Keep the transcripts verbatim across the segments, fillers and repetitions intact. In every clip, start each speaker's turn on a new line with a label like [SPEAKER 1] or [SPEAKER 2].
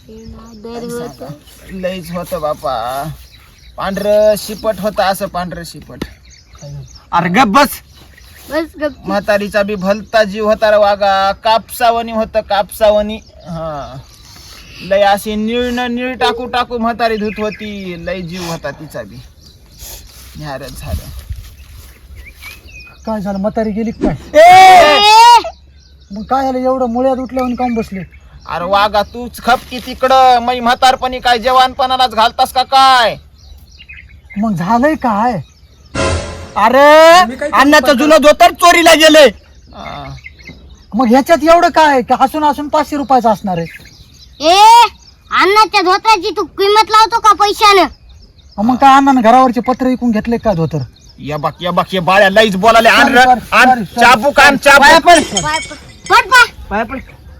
[SPEAKER 1] लईच होत बापा. पांढर शिपट होत असं पांढर शिपट.
[SPEAKER 2] अरे गप बस.
[SPEAKER 3] बस गप.
[SPEAKER 1] म्हातारीचा बी भलता जीव होता रे वागा. कापसावणी होत कापसावणी. हा लय अशी निळ न निळ टाकू टाकू म्हातारी धुत होती. लय जीव होता तिचा बी. न्यारच झालं.
[SPEAKER 2] काय झालं म्हातारी गेली काय?
[SPEAKER 1] ए!
[SPEAKER 2] मग काय झालं एवढं मुळ्यात उठल्यावर काम बसले?
[SPEAKER 1] अरे वागा तूच खपकी तिकडं. मै म्हातारपणी काय जवानपणालाच घालतास का काय?
[SPEAKER 2] मग झालंय काय? अरे अण्णाचं जुनं धोतर चोरीला गेलंय.
[SPEAKER 1] हा.
[SPEAKER 2] मग ह्याच्यात एवढं काय की हसून हसून पाचशे रुपयाचं असणार आहे?
[SPEAKER 3] ए अण्णाच्या धोत्राची तू किंमत लावतो का पैशानं?
[SPEAKER 2] मग काय अण्णानं घरावरचे पत्र विकून घेतले काय धोतर?
[SPEAKER 1] या बाक या बाक या बाळ्या लईच बोलाले. आण
[SPEAKER 2] Sorry,
[SPEAKER 1] र,
[SPEAKER 2] sorry,
[SPEAKER 1] आण
[SPEAKER 2] sorry, sorry.
[SPEAKER 1] चाबूक आण चाबूक.
[SPEAKER 3] पाय पड. पड पाय.
[SPEAKER 2] पाय पड.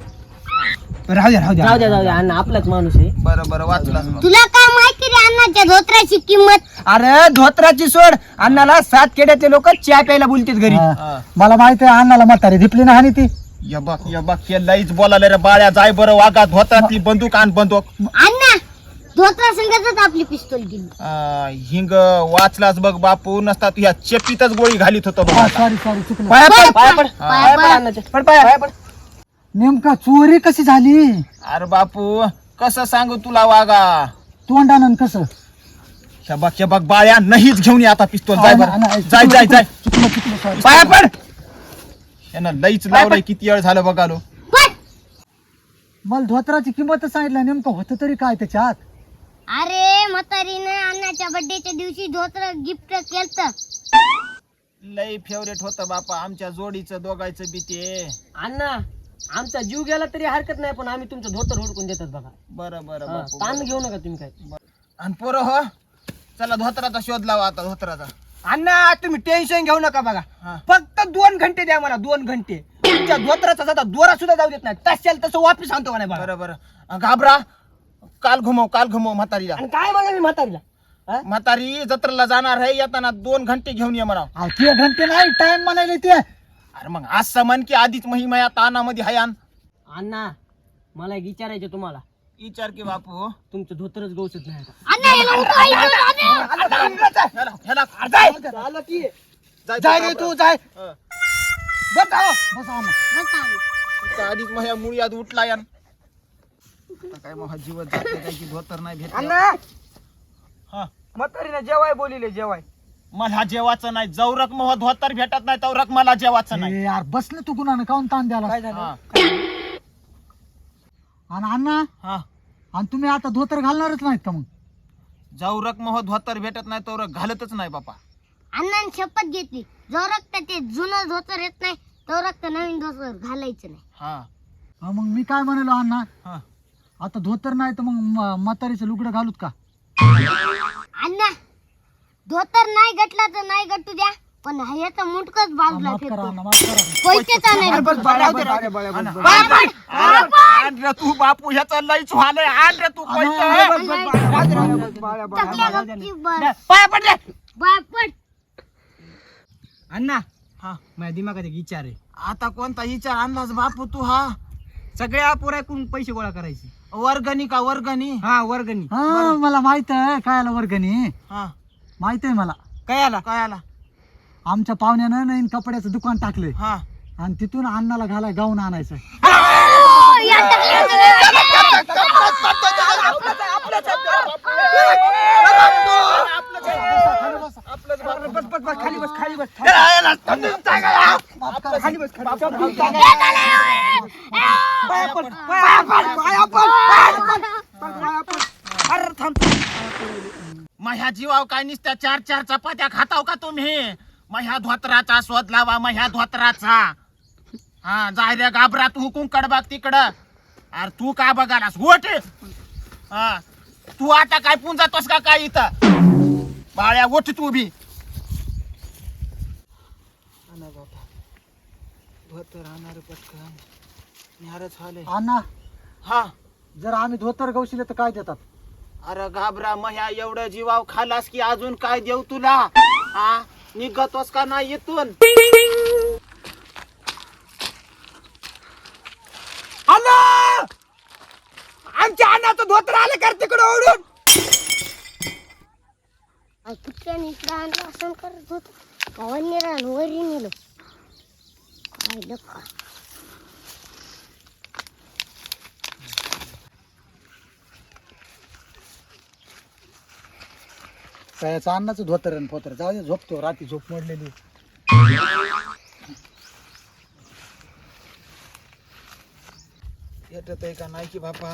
[SPEAKER 2] राहू द्या राहू द्या
[SPEAKER 4] जाऊ द्या जाऊ द्या अण्णा आपलाच माणूस आहे.
[SPEAKER 1] बरं बरं वाचलास मग.
[SPEAKER 3] तुला काय माहिती रे अण्णाच्या धोत्राची किंमत?
[SPEAKER 4] अरे धोत्राची सोड. अण्णाला सात खेड्यातले लोक चहा प्यायला बोलतात घरी.
[SPEAKER 2] हा.
[SPEAKER 1] हा.
[SPEAKER 2] मला माहिती आहे अण्णाला म्हातारी धिपली ना हानी ती.
[SPEAKER 1] या बाक या बाक या लईच बोलाले रे बाळ्या. जाय बरं वागात होता ती बंदूक आण बंदूक.
[SPEAKER 3] अण्णा धोत्रा संगतच आपली पिस्तूल गेली.
[SPEAKER 1] आ, हिंग वाचलास बघ बापू. नसता तू ह्या चेपीतच गोळी घालीत होतो बघ आता.
[SPEAKER 2] सॉरी सॉरी चुकलं.
[SPEAKER 4] पाया पड
[SPEAKER 3] पड,
[SPEAKER 4] पाया पड
[SPEAKER 3] पड,
[SPEAKER 4] पाया पड
[SPEAKER 3] पड.
[SPEAKER 4] अण्णाच्या. पड पाया पाया पड.
[SPEAKER 2] नेमका चोरी कशी झाली?
[SPEAKER 1] अरे बापू कसं सांगू तुला वागा.
[SPEAKER 2] तोंडानं कसं?
[SPEAKER 1] ह्या बाक या बाक बाळ्या नाहीच घेऊन ये आता पिस्तोल. जाय
[SPEAKER 2] अण्णा, अण्णा,
[SPEAKER 1] बरं जाय जाय जाय.
[SPEAKER 2] चुकलं चुकलं सॉरी.
[SPEAKER 1] पाया पड. यानं लईच लावलंय. किती वेळ झालं बघालो.
[SPEAKER 3] पड.
[SPEAKER 2] मला धोत्राची किंमत सांगितलं नेमकं होतं तरी काय त्याच्यात?
[SPEAKER 3] अरे म्हातारीने अण्णाच्या बर्थडेच्या दिवशी धोत्र गिफ्ट केलं.
[SPEAKER 1] लई फेवरेट होतं बापा आमच्या जोडीचं दोघायचं बी ते.
[SPEAKER 4] अण्णा आमचा जीव गेला तरी हरकत नाही पण आम्ही तुमचं धोतर हुडकून देतात बघा.
[SPEAKER 1] बरं बरं
[SPEAKER 4] हा,
[SPEAKER 1] बापू.
[SPEAKER 4] ताण घेऊ नका तुम्ही काय.
[SPEAKER 1] आणि पोरं हो चला धोत्राचा शोध लावा आता धोत्राचा.
[SPEAKER 4] अण्णा तुम्ही टेन्शन घेऊ नका बघा.
[SPEAKER 1] हा.
[SPEAKER 4] फक्त दोन घंटे द्या मला. दोन घंटे तुमच्या धोत्राचा जाता दोरा सुद्धा जाऊ देत नाही. तशाल तसं वापस आणतो का नाही बघा.
[SPEAKER 1] बरं बरं घाबरा. काल घुमव काल घुमव म्हातारीला.
[SPEAKER 4] आणि काय म्हणा मी म्हातारीला. हा?
[SPEAKER 1] म्हातारी जत्रेला जाणार आहे. येताना दोन घंटे घेऊन ये म्हणा.
[SPEAKER 2] अहो, ते घंटे नाही टाइम म्हणायला ते.
[SPEAKER 1] अरे मग आज समान की आधीच महिमा या तानामध्ये हयान.
[SPEAKER 4] अण्णा मला एक विचारायचं तुम्हाला.
[SPEAKER 1] विचार की बापू.
[SPEAKER 4] तुमचं धोतरच गवसत नाही आता.
[SPEAKER 3] अण्णा याला उठवायचं.
[SPEAKER 1] ह्याला- ह्याला- जाय.
[SPEAKER 4] झालं की
[SPEAKER 1] जाय
[SPEAKER 2] जाय रे तू जाय.
[SPEAKER 1] हं.
[SPEAKER 2] बस आहो, बस आहो.
[SPEAKER 3] बस अण्णा.
[SPEAKER 1] इथं आधीच माझ्या मुळी आज उठला यान. आता काय मग जीवत जाते काय की धोतर नाही भेटलं.
[SPEAKER 4] अण्णा
[SPEAKER 1] हा
[SPEAKER 4] म्हातारीने जेवाय बोलिले जेवाय.
[SPEAKER 1] मला जेवाचं नाही. जवरक मग धोतर भेटत नाही तवरक मला जेवाचं नाही.
[SPEAKER 2] ए, यार बस ना तू गुन्हा काऊन ताण द्याला?
[SPEAKER 4] काय झालं?
[SPEAKER 1] हा
[SPEAKER 2] आणि अण्णा
[SPEAKER 1] हा
[SPEAKER 2] आणि तुम्ही आता धोतर घालणारच नाहीत का मग?
[SPEAKER 1] जवरक मग धोतर भेटत नाही तवरक घालतच नाही बापा.
[SPEAKER 3] अण्णाने शपथ घेतली जो रक्त ते जुनं धोतर येत नाही तो रक्त नवीन धोतर घालायचं नाही.
[SPEAKER 1] हा
[SPEAKER 2] हा, मग मी काय म्हणालो अण्णा
[SPEAKER 1] हा
[SPEAKER 2] आता धोतर नाही तर मग म- म्हातारीचं लुगडं घालूत का?
[SPEAKER 3] अण्णा धोतर नाही गटला तर नाही गटू द्या पण ह्याचा मुंडकच बाजूला
[SPEAKER 2] माफ करा
[SPEAKER 3] फेकतो.
[SPEAKER 2] अण्णा माफ करा.
[SPEAKER 3] पैसेच आणायला.
[SPEAKER 1] आण रे तू बापू ह्याचा लईच व्हालंय. आण रे तू पैसे.
[SPEAKER 3] टाकल्या गपची बस.
[SPEAKER 4] पाया पडले.
[SPEAKER 3] बाय पड.
[SPEAKER 4] अण्णा
[SPEAKER 1] हा
[SPEAKER 4] माझ्या दिमागात एक विचार आहे.
[SPEAKER 1] आता कोणता विचार आणलास बापू तू? हा
[SPEAKER 4] सगळ्या पोराकडून पैसे गोळा करायचे.
[SPEAKER 1] वर्गणी का वर्गणी?
[SPEAKER 4] हा वर्गणी.
[SPEAKER 2] हा मला माहित आहे काय आला वर्गणी.
[SPEAKER 1] हा
[SPEAKER 2] माहित आहे मला.
[SPEAKER 4] काय आला?
[SPEAKER 1] काय आला?
[SPEAKER 2] आमच्या पाहुण्यानं नवीन कपड्याचं दुकान टाकलंय
[SPEAKER 1] हा
[SPEAKER 2] आणि तिथून अण्णाला घालाय गाऊन आणायचं.
[SPEAKER 4] खाली बस खाली बस.
[SPEAKER 2] खाली बस
[SPEAKER 4] पाया पड पाया पड पाया पड पाया पड. अरे थांब.
[SPEAKER 1] माझ्या जीवाव काय नुसत्या चार चार चपात्या खाताव का तुम्ही? माझ्या धोत्राचा शोध लावा. माझ्या धोत्राचा. हा जाय रे घाबरा तू कुंकड बघ तिकडं. अरे तू का बघालास गोट? हा तू आता काय पुंजातोस का काय इथं? बाळ्या गोट तू बी. धोतर आणणार पटकन. निहारच झाले.
[SPEAKER 2] अण्णा
[SPEAKER 1] हा
[SPEAKER 2] जर आम्ही धोतर गवशिले तर काय देतात?
[SPEAKER 1] अरे घाबरा मह्या एवढं जीवाव खालास की अजून काय देऊ तुला? हा निघतोस का नाही इथून?
[SPEAKER 4] आमच्या अण्णाचं धोतर आलं कर तिकडे ओढून.
[SPEAKER 3] कुठल्याने इकडं आणलं असं करत होत गावांनी रान वरी नेलं काय लका.
[SPEAKER 2] त्याचं अन्नाचं धोतर आणि पोतर जाऊ दे, झोपतो रात्री झोप मोडलेली.
[SPEAKER 1] येत आहे का नाही की बापा.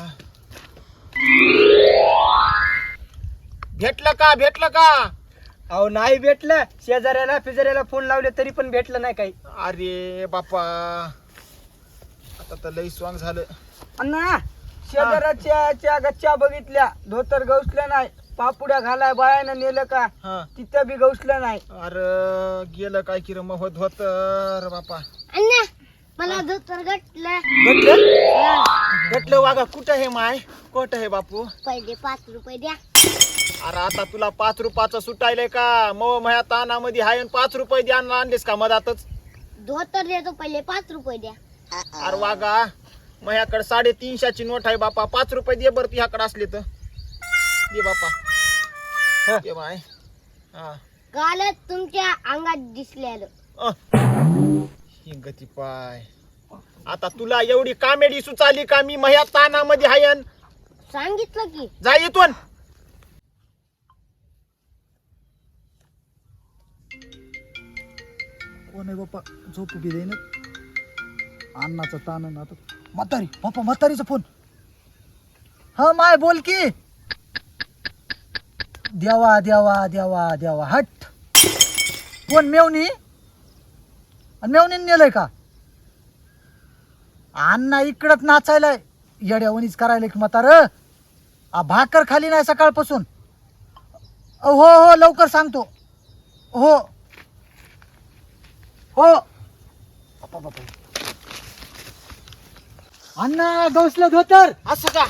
[SPEAKER 1] भेटलं का भेटलं का.
[SPEAKER 4] अहो नाही भेटलं. शेजाऱ्याला फिजाऱ्याला फोन लावले तरी पण भेटलं नाही काही.
[SPEAKER 1] अरे बापा आता तर लई स्वांग झालं.
[SPEAKER 4] अण्णा शेजाऱ्याच्या च्या गच्च्या बघितल्या, धोतर गवसलं नाही. पापुड्या घालाय बायानं नेलं का
[SPEAKER 1] हा
[SPEAKER 4] तिथं बी गवसलं नाही.
[SPEAKER 1] अरे गेलं काय की रे मग धोतर बापा.
[SPEAKER 3] अण्णा मला धोतर गटलं.
[SPEAKER 1] भेटलं भेटलं वागा. कुठं हे माय कुठं हे बापू.
[SPEAKER 3] पहिले पाच रुपये द्या.
[SPEAKER 1] अरे आता तुला पाच रुपयाचं सुटायलंय का. मग माझ्या तानामध्ये हाय आणि पाच रुपये द्या आणलेस का मधातच.
[SPEAKER 3] धोतर देतो पहिले पाच रुपये द्या.
[SPEAKER 1] अरे वागा माझ्याकडे साडेतीनशेची नोट आहे बापा. पाच रुपये दे बरं तुझ्याकडे असले तर दे बापा. दे माय. हा
[SPEAKER 3] कालच तुमच्या अंगात दिसलेलं.
[SPEAKER 1] ही गती पाय. आता तुला एवढी कामेडी सुचाली का. मी माझ्या तानामध्ये हायन.
[SPEAKER 3] सांगितलं की
[SPEAKER 1] जा इथून.
[SPEAKER 2] कोण आहे बाप्पा, झोप बी देईन. अन्नाचा ताण आणि आता म्हातारी. बाप्पा म्हातारीचा फोन. हा माय बोल की. देवा देवा देवा देवा हट. कोण मेवणी. आणि मेवणीने नेलंय का. अण्णा इकडंच नाचायलाय. येड्यावणीच करायला की म्हातार. आ भाकर खाली नाही सकाळपासून. हो हो लवकर सांगतो. हो हो बापा बापा. अण्णा गवसलं धोतर.
[SPEAKER 1] असं का.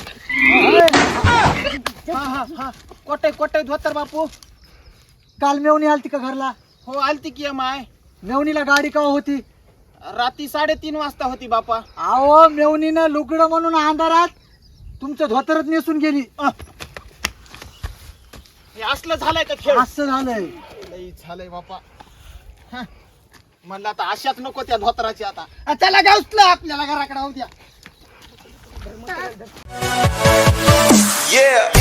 [SPEAKER 1] हा हा हा कोटे कोटे धोतर बापू.
[SPEAKER 2] काल मेवणी आलती का घरला.
[SPEAKER 1] हो आलती की माय.
[SPEAKER 2] मेवणीला गाडी का होती.
[SPEAKER 1] रात्री साडेतीन वाजता होती बापा.
[SPEAKER 2] अहो मेवणीनं लुगडं म्हणून अंधारात तुमचं धोतरच नेसून गेली.
[SPEAKER 1] हे असलं झालंय का खेळ.
[SPEAKER 2] असं झालंय.
[SPEAKER 1] लई झालंय बापा. हं. म्हणलं आता अशाच नको त्या धोतराची आता.
[SPEAKER 4] चला गवसलं आपल्याला घराकडे होऊ द्या.
[SPEAKER 5] Yeah.